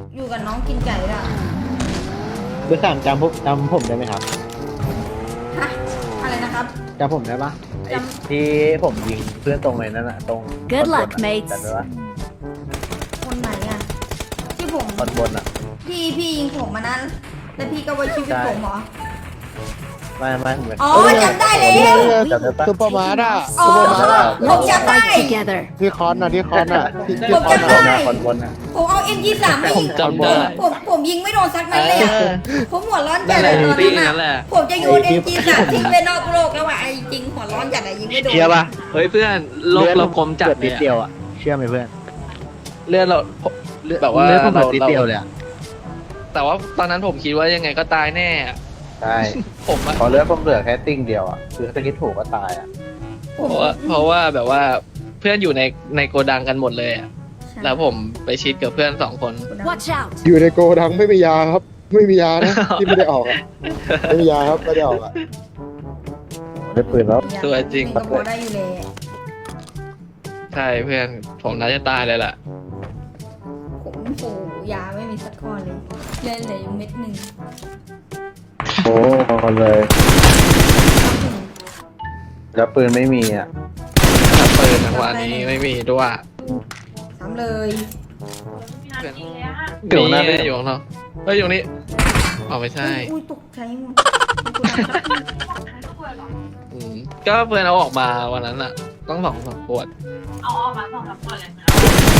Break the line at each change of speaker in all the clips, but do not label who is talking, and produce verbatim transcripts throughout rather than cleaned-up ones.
อยู่กับน้องกินไก่ละ
เบอร์สามจำผมจำผมได้ไหมครับ
ฮะอะไรนะครับ
จำผมได้ปะ
จ
ที่ผมยิงเพื่อนตรงไหนนั่นอะตรง
Good
บน
luck,
อะ
mates
จำได้ปะ
คนไหนอ่ะที่ผม
บนบนอะ
พี่พี่ยิงผมมานั้นแล้วพี่ก็ไว้ชีวิตผมเหรอ
ไม่ไม่เหมือน
อ๋อจำได้แล้ว
จำได้ปะ
ซุปเปอร์มาร์ทอะ
อ๋อ
ซุปเปอร์มาร์ทอะ
ผมจำได้
Fight together.
ที่คอนอะที่คอนอะที่ที่
ผม
คอน
จำได้
อะ
คนบนอะ
ผมเอา เอ็ม ยี่สิบสาม ไม่ยิง
จำได้
ผมผมยิงไม่โดนสักนัดเลยอะ
เออ
ผมหัวร้อนจั
นั่
ด
นแห
เล
ละ
ยตอน
ตี
นั้น
นั่นแห
อะ
ละ
ผมจะโยน เอ็ม จี สาม ทิ้งไปนอกโลกแล้วว่ะไอ้จริงหัวร้อนจัดอะยิงไม่โดน
เชื่อปะ
เฮ้ยเพื่อนโลกเราคมจัด
เลือ
เล
นิ
ย
ดเดียว
อะ
อะเชื่อไหมเพื่อน
เลือดเราแบบว่า
เลือดผมแบบ
เรา
นิดเดียวเลยอะ
แต่ว่าตอนนั้นผมคิดว่ายังไงก็ตายแน่อะ
ใช่
ผมอะ
พอเลือดผมเหลือแค่ติ้งเดียวอะคือถ้าคิดถูกก็ตายอะ
ผ
เพ
ม
ราะว่าเพราะว่าแบบว่าเพื่อนอยู่ในในโกดังกันหมดเลยอะแล้วผมไปชิดกับเพื่อนสองคน
Watch out.
อยู่ในโกดังไม่มียาครับ ไม่มียานะที่ไม่ได้ออกอะไม่มียาครับไม่ได้ออกอะ
ได้ปืนแล้ว
สวยจริง
ก็พอได้อยู่เลย
ใช่เพื่อนผมน่าจะตายเลยล่ะ
ผมปู่ยาไม่มีสักข้อเลยเล่นเหลืออยู่เม็ดหนึ่ง
โอ้พอเลย แล้วปืนไม่มีอะ
ถ้าปืนจังหวะนี้ไม่มีด้วย
ซ้ำเลย
เพื่อน
เดี๋ยวหน้า
มีอยู่ข้างนอกเฮ้ยอยู่นี่อ๋อไม่ใช่
อุ้ยตกใจหมด
อืมก็เพื่อนเอาออกมาวันนั้นอะต้องสองสามขวด
เอาออกมาสองสามคนเลยนะ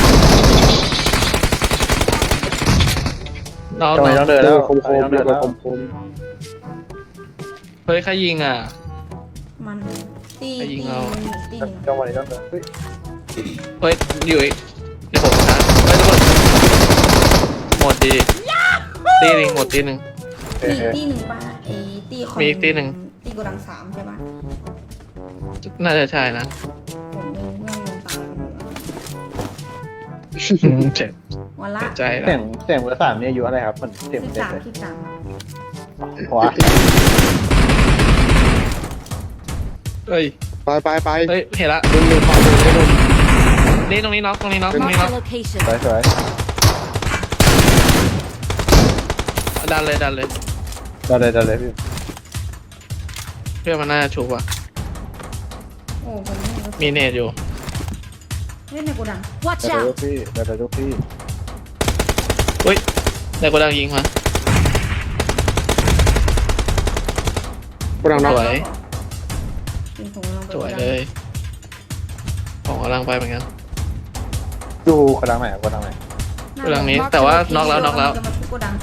น้อง
ทำไมต้องเดิน
เอ
แล้ว
อคม
ทำไม
ๆ
ต้อง
เรี
เดิ
ย
น
ก
แล้
ว่าว คม
เฮ้ยใครยิงอ่ะ
มันตี
ไปยิ
ตี
งเอา
ตี
จังหวะนี้ต้องเดินเฮ้ย
เฮ้ยอยู่อีกเดี๋ยวผมนะเฮ้ยทุกคนหมดดีตีหนึ่งหมดตีหนึ่ง
เฮ้ย
ตี
เฮ้ย
ตีหนึ่งป่ะไอ้ตีคอน
มีอีกตีหนึ่ง
ตีโกดังสามใช่ป่ะ
น่าจะใช่นะ
ผมเองเมื่อลงตาย
เจ็บ
วันละ
เจ็บใจ
เสีย
นะ
งเสียงเบอร์สามนี่อายุอะไรครับมันเสียง
สิบ
เด็ก
สาม
เลย
สิบสาม
หัว
เฮ้ย
ๆไปไปไป
เฮ้ยเห็นละ
ดึงเลยไปดึงเลย
นี่ตรงนี้น็อกตรงนี้น็อกตรง
Mark
นี้น็อก
the location.
สวยสวย
ดันเลยดันเลย
ได้เลยได้เลยพี่
เพื่อนมันน่าจะชุบอ่ะ
โอ้ผมไม่รู้
มีเนตอยู่
เล่นในโกดัง
Watch
ได้เลยลู
out.
กพี่ได้เลยลูกพี่
เฮ้ยในโกดังยิงมา
โกดัง
ส
น็อก
วย
ยิงผมลงไป
สวยเลยผมกำลังไปเหมือนกัน
ดูกระดังไหนกระดังไหน
โกดังนี้แต่ว่าน็อกแล้วน็อกแล้ว
จะมาทุบโกดัง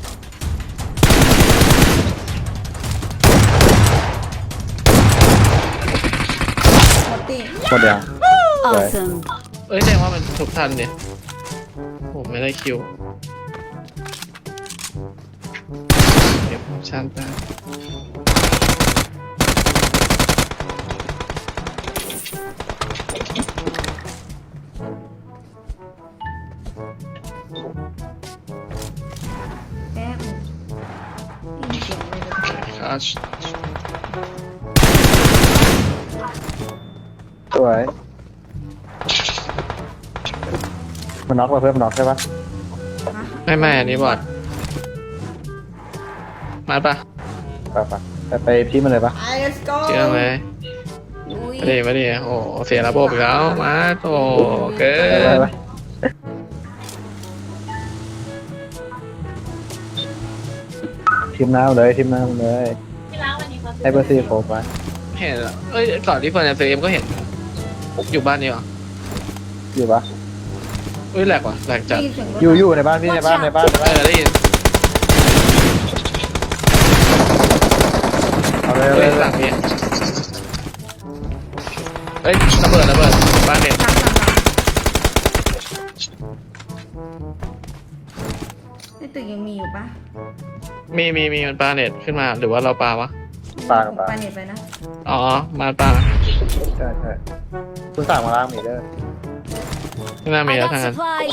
หมดตี
หมดยัง
Awesome.
เอ้ยแสดงว่ามันทุกทันเนี่ยผมไม่ได้คิวเก็บชั้นไป
แป๊บนึงได้ยินเสียงอะไรแบบนี้
คัช
สวยมันน็อกมาเพิ่มน็อกใช่ปะ
ฮะ
ไม่ไม่อันนี้บอดมาปะ
ไปปะไปไปพี่มันเลยปะ
ไป let's go
เชื่อไหม
ลุย
มาดิมาดิโอ้เสียระบบอีกแล้วมาโอ้เกิ
ไปไป
น
ไปทีมน้ำเลยทีมน้ำเลย
ที่ร้านวันนี้เขา
ให้เบอร์สี่โคไป
เห็นอะเอ้ยก่อนที่เฟิร์นจะซื้อเอ็มก็เห็นอยู่บ้านนี้เหรอ
อยู่ปะ
เอ้ยแหลกว่ะแหลกจัด
ได้ยินเสียงรถ
อยู่อยู่ในบ้านพี่ในบ้านในบ้านใน
เอ
บ้าน
อได้ยิน
เอาเลยเอาเล
เฮ้ย
ย
หลังนี้เอ้ยระเบิดระเบิดบ้านเน็ต
หลังหลังหลังในตึกยังมีอยู่ปะ
มีมีมีมันปลาเน็ตขึ้นมาหรือว่าเราปลาวะ
ปลา
ผม
ปลา
ปาเน็ตไปนะ
อ๋อมาปลา
ใช่ใช่คุณสั่งมาล้างมีเด้อ
ไม่น่ามี
I
แล้ว
got
ทางนั้น
supplies.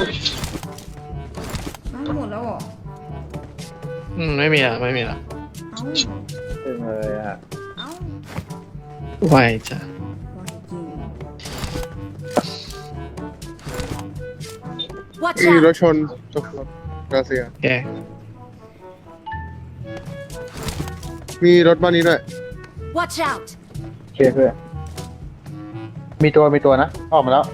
อ้าวหมดแล้วเหรอ
อืมไม่มีอ่ะไม่มีอ่ะ
เอ้า
ซึ่งเลยอ่ะ
เอ้า
ไวจ้ะ
วายจริง
Watch
มีรถ
out!
ชนตกรถรัสเซีย
โอเค
มีรถบ้านนี้ด้วย
Watch out!
โอเคเพื่อนมีตัวมีตัวนะออกมาแล้ว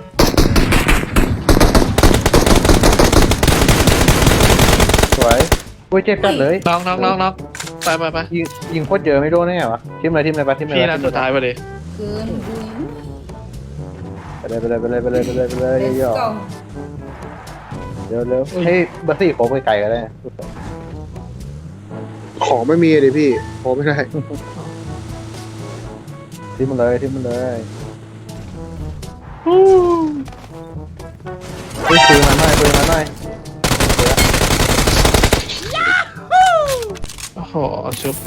สวยอุ้ยเจ็บจัดเลย
น็อกน็อกน็อกน็อกไปไปไป
ยิงยิงโคตรเยอะไม่โดนได้ไงวะทิมเลยทิมเลยปะทิมเลย
พี่
ปะ
นัดสุดท้ายไปเลย
เกินอุ้ย
ไปเลยไปเลยไปเลยไปเลยไปเลยไปเลย
เลส
ย่อ
โก้
เร็วเร็วให้เบอร์สี่โค้งไปไกลก็ได้
ของไม่มีเลยพี่โอ้ไม่ได้
ทิมมันเลยทิมมันเลยปืนปืนมาหน่อยปืนมาหน่อย
โอ้โหชุบ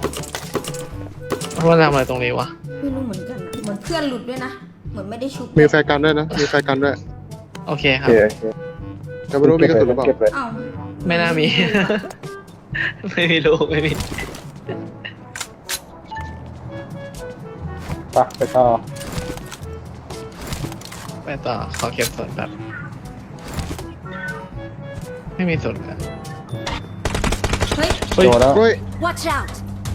ว่าทำอะไรตรงนี้วะ
ไม่รู้เหมือนกันอะเหมือนเพื่อนหลุดด้วยนะ เหมือนไม่ได้ชุบ
มีแฟร์กันด้วยนะมีแฟร์กันด้วย
โอเคค
โอ
รับ
เคโอเค
แต่ไม่รู้มีกระสุนหรือเปล่า
เก็บเลย
อ้าว
ไม่น่ามี ไม่มีลูกไม่มี
ไปไปต่อ
ไปต่อขอเก็บส่วนแบบไม่มีส่วนเลย
เฮ้ย
เฮ้ย
โดนแล้ว
เฮ้ย
Watch out!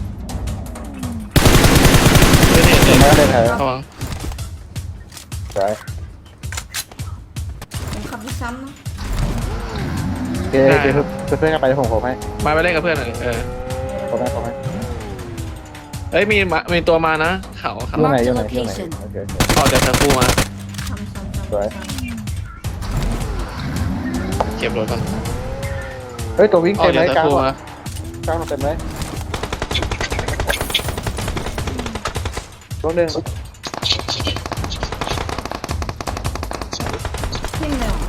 ไม่ได้
เห็
เห็
น
น
ไหมได้แถว
ระวัง
สวย
ผมขับรถซ้ำนะ
โอเคโอเคเพื่อนเพื่อนกันไปผมผมให้
มาไปเล่นกับเพื่อนหน่อยเออ
ผมให้ผมให้
เอ้ยมีมามีตัวมานะเขาเขา
อยู่ไหนอยู่ไหนอยู่ไหนโอเคโอเค
ออกจากตะกูมา
ซ้ำซ้ำซ้ำ
สวย
ซ้ำ
เก็บรถก่อน
เฮ้ยตัววิ่ง
ออ
เต็
ก
ม
จาก
เลยกลาง
ตะกู
หมด
มาก
ลางหมดเต็มเลยตัวหนึ่ง
ทิ่มเลยเหรอ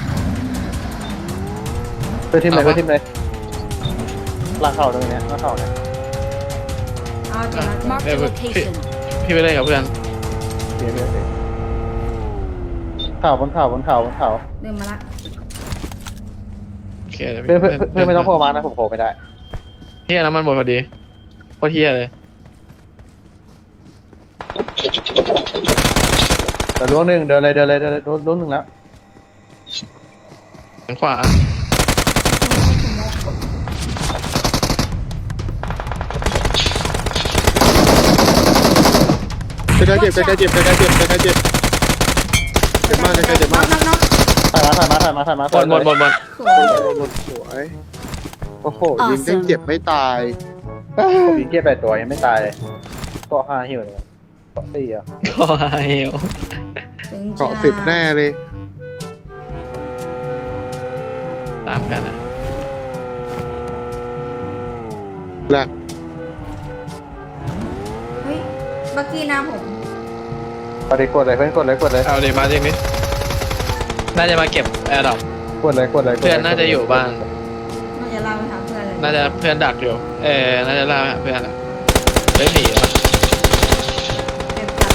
เพื่อนทีมไหนเพื่อนทีมไหนล่างเข่าตรงนี้ล่างเข่าเนี่ย
เอาเดี๋ยวนะ
Mark the location.
พี่ไปเล่นกับเพื่อน
โอเคโอเคโอเคเข่าบนเข่าบนเข่าบนเข่า
เดินมาละ
โอเคดี๋ยว
เพื่อนเพื่อนเพื่อนไม่ต้องโผล่มานะผมโผล่ไม่ได้
เฮียน้ำมันหมดพอดีโคตรเฮียเลย
แต่ล้วงหนึ่งเดินเลยเดินเลยเดินเลยล้วงหนึ่งแล้ว
ทางขวา
ใกล้ๆเจ็บใกล้ๆเจ็บใกล้ๆเจ็บใกล้ๆเจ็บเจ็บมากใกล้ๆเจ็บมาก
น็อกน็อก
ถ่ายมาถ่ายมาถ่ายมาถ่ายมา
หมดหมดหมดหมด
สวย
สวยโอ้โหยิงเต้นเจ็บไม่ตาย
ผมยิงเกียร์แปดตัวยังไม่ตายเลยเกาะห้าหิวเลยเกาะสี่อ่ะ
โอ้ย
ถึง
เกาะสิบแน่เลย
ตามกันนะ
แหลก
เฮ้ยบักกี้นาผม
กดเลยกดเลยเพื่อนกดเลยกดเลย
เอาเดี๋ยวมาจริงดิน่าจะมาเก็บแอร์ดรอป
กดเลยกดเลย
เพื่อนน่าจะอยู่บ้าน
น่าจะเล่าไปถามเพื่อนเลย
น่าจะเพื่อนดักอยู่ เออ น่าจะล่าไปหาเพื่อนอะเฮ้ยหนีวะ
เก็บจัด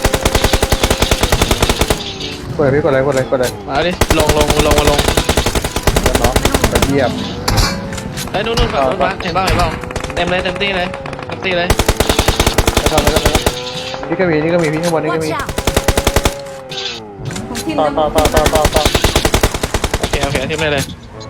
กดเลยพี่กดเลยกดเลยกดเลย
มาดิ ลงลงลงมาลง
แล้วเนาะกดเยียบ
เฮ้ยนู่นนู่นฝั่งนู้นบ้านเห็นบ้างเห็นบ้างเต็มเลยเต็มที่เลยเต็มที่เลย
แล้วก็แล้วก็นี่ก็มีนี่ก็มีพี่ข้างบนนี่ก็
Watch
มี
out!
ผมทิ่ม
ต่อ
แล้ว
ต่อต่อต่อต่อต่อ
โอเค โอเคทิ้งเลยเลย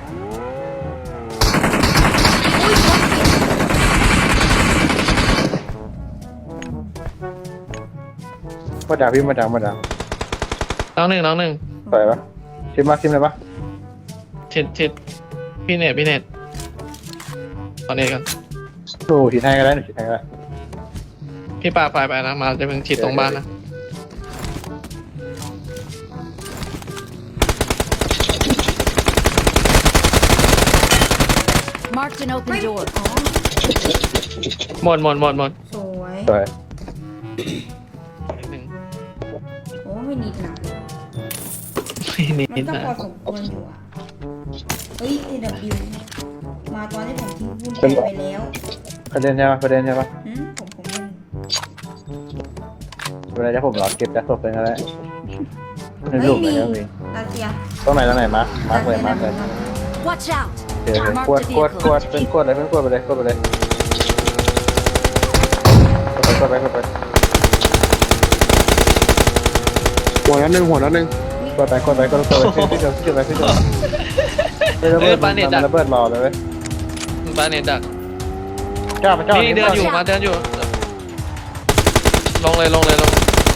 มาด่าพี่มาด่ามาด่า
น้องหนึ่งน้องหนึ่ง
สวยปะชิมมาชิมเลยปะ
ชิดชิดพี่เน็ตพี่เน็ตตอนนี้กัน
ดูฉีดให้ก็ได้หนูฉีดให้ก็ได้
พี่ปาไปไปนะ มาจะเป็นชิดตรงบ้านนะ
Marked an
เฮ้ย
open door.
อ๋อ
หมดหมดหมดหมด
สวย
สวย
นิดนึง
โอ้ไม่นิดนะ
นิ
มัน
ด
ก็
นะ
พอสมควรอยู่อ่ะ เฮ้ย เอ ดับเบิลยู มาตอนที่ผมทิ้งบุญแอบไปแล้ว
ประเด็นใช่ปะประเด็นใช่ปะ
หืมผมผมเล่น
เวลาจะผมรอเก็บจะศพเป็นอะไรใน
เฮ้
รู
ย
ปไหน
มี
ก็มี
รัสเซีย
ตรงไหนตรงไหนมาร์คมาร์คเลยมาร์คเลย
Watch out!
โอเคเลยกวดกวดกวดเป็นกวดเลยเป็นกวดไปเลยกวดไปเลยกวดไปกวดไปกวดไป
หัวนัดหนึ่งหัวนัดหนึ่ง
กวดไปกวดไปกวดไปกวดไปขึ้นขึ้นขึ้นไปขึ้นเฮ้ยระ
เอ้
เบิ
ย
ด
ปาเน็ตดัก
ระเบิดรอเลยเว้ย
ปาเน็ตดัก
จ้ามันจ้า
นี่เดินอยู่มาเดินอยู่ ลงเลยลงเลยลง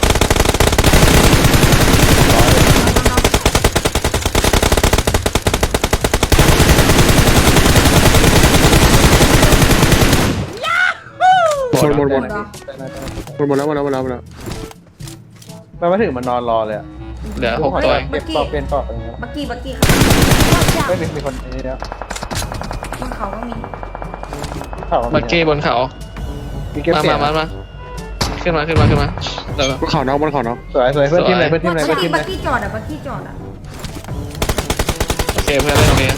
หมดหมดหมด
เหรอ
หมดหมดแล้วหมดแล้วหมดแล้วหมดแล้ว
มันมาถึงมันนอนรอเลยอะ
เหลือหกตัวเอง
เก็บปอกเปลี่ยนปอกอะไรเงี้ย
บักกี้บักกี้ครับ
Watch
ไม่
out!
มีมีคนนี้แล้ว
บนเขาก็มี
ข่าว
บักกี้บนเขา
มีเก็บ
มา
เสีย
มาง มามาขึ้นมาขึ้นมาขึ้นมาเดี๋ยว
บนเขาน้องบนเขาน้อง
สวยสวยเพื่อนทีมไหนเพื่อนทีมไหน
บั
เพื่อก นที
กี้
มไหน
บักกี้จอดอ่ะบักกี้จอดอ่ะ
โอเคเพื่อนเล่นตรงนี้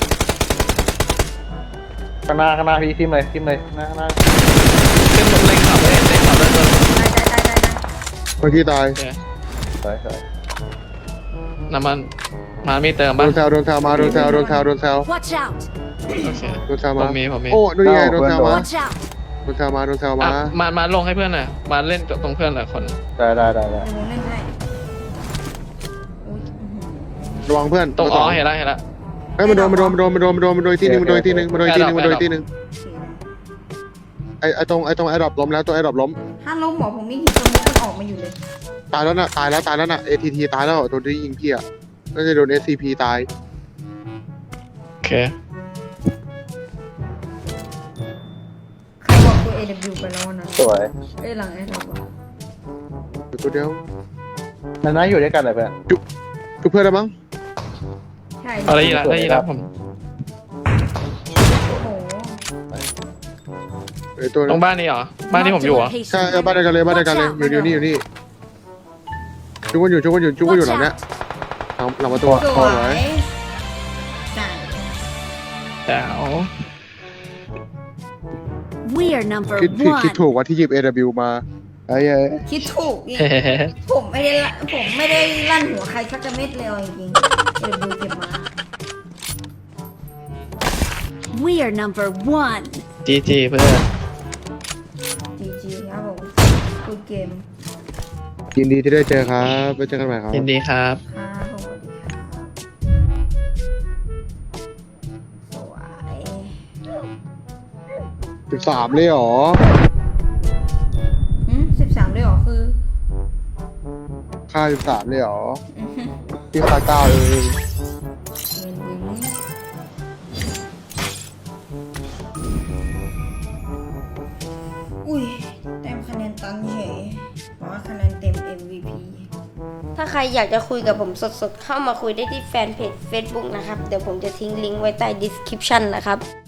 ข้างหน้าข้างหน้าพี่ทีมไหนทีมไหนหน้าข้างหน้า
ขึ้นเล่นขับเล่นเล่นขับเล่นตัว
ได้ได้ได้ได้ได้
เมื่อกี้ตาย
โอเค
สวยสวย
น้ำมันมามีเติม
โด
ป่ะ
นแซวโดนแซวมาโดนแซวโดนแซวโดนแซว
Watch out!
โอเค
โดนแซว
ผม
าม
มีผมมี
โอ้ดูยังไงโดนแซวมา
Watch out!
โดนแซวมาโดนแซว
อ่ะ
มา
มามาลงให้เพื่อนหน่อยมาเล่นตรงเพื่อนหน่อยคน
ได้ได้ได้ได้
เดี๋ยวผมเล่นให้อุ้ยอื้อหือ
ระวังเพื่อน
ตรงอ๋อ
ตัวส
เห็นแล้วเห็นแล้ว
เฮ้ยมันโดนมันโดนมันโดนมันโดนมันโดนมันโดนที่นึงมันโดนที่นึงมันโดนที่นึงมันโดนที่นึง
โอเค
ไอไอตรงไอตรงไอดรอปล้มแล้วตัวไอดรอปล้ม
ถ้าล้มหมอผมไม่หินตัวมุกมันออกมาอยู่เลย
ตายแล้วน่ะตายแล้วตายแล้วน่ะ เอ ที ที ตายแล้วโดนที่ยิงพี่อ่ะน่าจะโดน เอส ซี พี ตาย
โอเค
ใครบอกตัว เอ ดับเบิลยู ไปแล้วนะ
สวย
เอ้ยหลังไอ้เราบอก
อยู่ตัวเดียว
นั่นน่าอยู่ด้วยกันเลยเพื่อน
จุบเพื่อนได้มั้ง
ใช่
เอาได้ยินแล้วได้ยินแล้วผม
โอ้โห
ไอตัว
ตรงบ้านนี้เหรอบ้านที่ผมอยู่เหรอ
ใช่เออบ้านเดียวกันเลยบ้านเดียวกันเลยอยู่นี่อยู่นี่จุกกันอยู่จุกกันอยู่จุกกันอยู่หลังเนี้ยหลังหลังประตู
ส
พอ
ว
ไว้
ยใช่
แจ๋ว
We are number
คิดผิดคิด
one.
ถูกว่าที่หยิบ เอ ดับเบิลยู มาไอ้เอ้ย
คิดถูกอีก
เฮ้เฮ้
ผมไม่ได้ละผมไม่ได้ลั่นหัวใครสักกระเม็ดเลยเอาจริงๆเอ ดับเบิลยู เก็บมา
We are number one.
จีจีเพื่อน
จีจีครับผมคุยเกม
ยินดีที่ได้เจอครับไปเจอกันใหม่ครับ
ยินดีครับ
ครับผมสวัสดีครับสวย
สิบสามเลยเหรอ
อืมสิบสามเลยเหรอคือ
ค่าสิบสามเลยเหรอ
อื้อหือ
ที่ค่าเก้าเอง
เงินวินอุ้ยแต้มคะแนนตันเฉยบอกว่าคะแนนเต็ม เอ็ม วี พี
ถ้าใครอยากจะคุยกับผมสดๆ เข้ามาคุยได้ที่แฟนเพจ Facebook นะครับ เดี๋ยวผมจะทิ้งลิงก์ไว้ใต้ description นะครับ